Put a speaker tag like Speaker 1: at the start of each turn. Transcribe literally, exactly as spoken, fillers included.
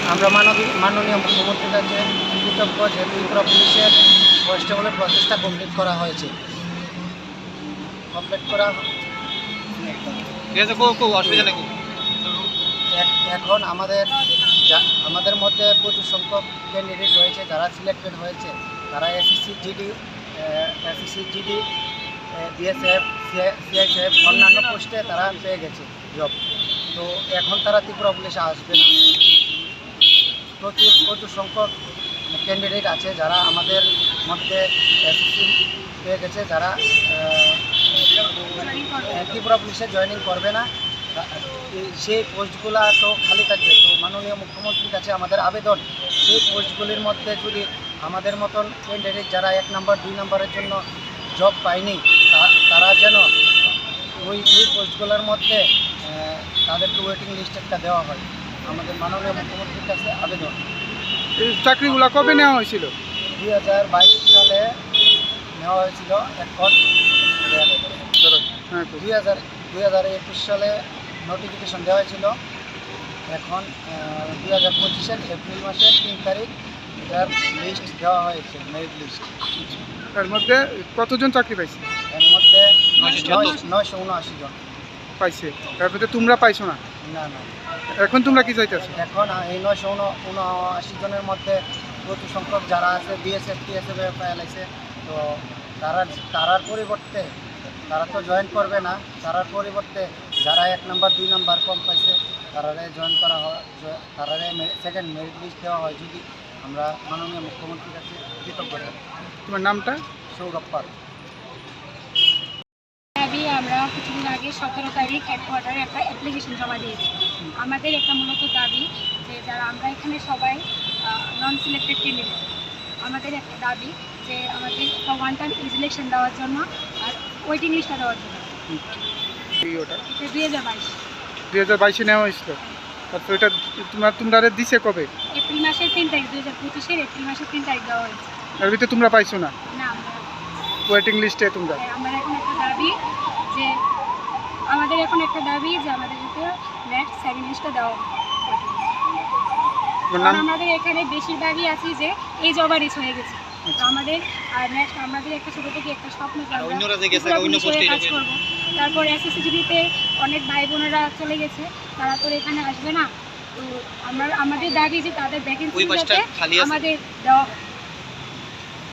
Speaker 1: আমরা মাননীয় মাননীয় মুখ্যমন্ত্রীর কাছে কৃতজ্ঞ যে ত্রিপুরা পুলিশের কনস্টেবলের প্রচেষ্টা কমপ্লিট করা হয়েছে কমপ্লিট করা এখন আমাদের আমাদের মধ্যে প্রচুর সংখ্যক ক্যান্ডিডেট রয়েছে যারা সিলেক্টেড হয়েছে, তারা SSC GD SSC GD BSF CISF অন্যান্য পোস্টে তারা পেয়ে গেছে জব। তো এখন তারা ত্রিপুরা পুলিশে আসবে না। প্রচুর প্রচুর সংখ্যক ক্যান্ডিডেট আছে যারা আমাদের মধ্যে এসএসসি পেয়ে গেছে, যারা ত্রিপুরা পুলিশে জয়েনিং করবে না। সেই পোস্টগুলো তো খালি থাকবে। তো মাননীয় মুখ্যমন্ত্রীর কাছে আমাদের আবেদন, সেই পোস্টগুলির মধ্যে যদি আমাদের মতন ক্যান্ডিডেট যারা এক নম্বর দুই নম্বরের জন্য জব পায়নি তারা যেন ওই ওই পোস্টগুলোর মধ্যে তাদেরকে ওয়েটিং লিস্ট একটা দেওয়া হয়। আমাদের মাননীয় মুখ্যমন্ত্রীর কাছে আবেদন।
Speaker 2: এই চাকরিগুলো কবে নেওয়া হয়েছিল?
Speaker 1: দুই হাজার বাইশ সালে নেওয়া হয়েছিল। এখন দুই হাজার দুই হাজার একুশ সালে নোটিফিকেশন দেওয়া হয়েছিল। এখন দুই হাজার পঁচিশের এপ্রিল মাসের তিন তারিখ এটার লিস্ট দেওয়া হয়েছে, মেরিট লিস্ট।
Speaker 2: এর মধ্যে কতজন চাকরি পাইছে?
Speaker 1: এর মধ্যে নয়শো উনআশি জন
Speaker 2: পাইছে। তার মধ্যে তোমরা পাইছো না?
Speaker 1: না না।
Speaker 2: এখন তোমরা কি চাইতেছো?
Speaker 1: এখন এই নয়শো উনআশি জনের মধ্যে প্রচুর সংখ্যক যারা আছে বিএসএফ টিএসএফ এলাইছে, তো তারা তারার পরিবর্তে তারা তো জয়েন করবে না। তারার পরিবর্তে যারা এক নাম্বার দুই নাম্বার কম পাইছে তারারে জয়েন করা হয়, তারারে সেকেন্ড মেরিট লিস্ট দেওয়া হয় যদি আমরা মাননীয় মুখ্যমন্ত্রীর কাছে কৃতজ্ঞ।
Speaker 2: তোমার নামটা?
Speaker 1: সৌরভ পাল।
Speaker 3: আমরা কিছুদিন আগে সতেরো তারিখ হেডকোয়ার্টারে একটা অ্যাপ্লিকেশন জমা দিয়েছি। আমাদের একটা মূলত দাবি যে যারা আমরা এখানে সবাই নন সিলেক্টেড ক্যান্ডিডেট, আমাদের একটা দাবি যে আমাদের একটা ওয়ান টাইম ইলেকশন দেওয়ার জন্য আর ওয়েটিং লিস্টটা দেওয়ার জন্য।
Speaker 2: ওটা
Speaker 3: দুই হাজার বাইশ
Speaker 2: দুই হাজার বাইশে নেওয়া হয়েছিল। তারপর এটা তোমরা তোমরা দিছে কবে?
Speaker 3: এপ্রিল মাসের তিন তারিখ দুই হাজার পঁচিশের এপ্রিল মাসের তিন তারিখ দেওয়া হয়েছে।
Speaker 2: এর ভিতরে তোমরা পাইছো না?
Speaker 3: না, আমরা
Speaker 2: ওয়েটিং লিস্টে তোমরা।
Speaker 3: আমাদের এখন একটা দাবি যে আমাদের এখন একটা দাবি যে আমাদের যাতে নেক্সট সেকেন্ড লিস্টটা দেওয়া হয়। আমাদের এখানে বেশিরভাগই আছি যে এই জব রিচ হয়ে গেছে। তো আমাদের আর নেক্সট আমাদের একটা ছোটো থেকে একটা স্বপ্ন কাজ করবো। তারপর এসএসসিজিতে অনেক ভাই বোনেরা চলে গেছে, তারা তো এখানে আসবে না। তো আমরা আমাদের দাবি যে তাদের ভ্যাকেন্সি যাতে আমাদের দেওয়া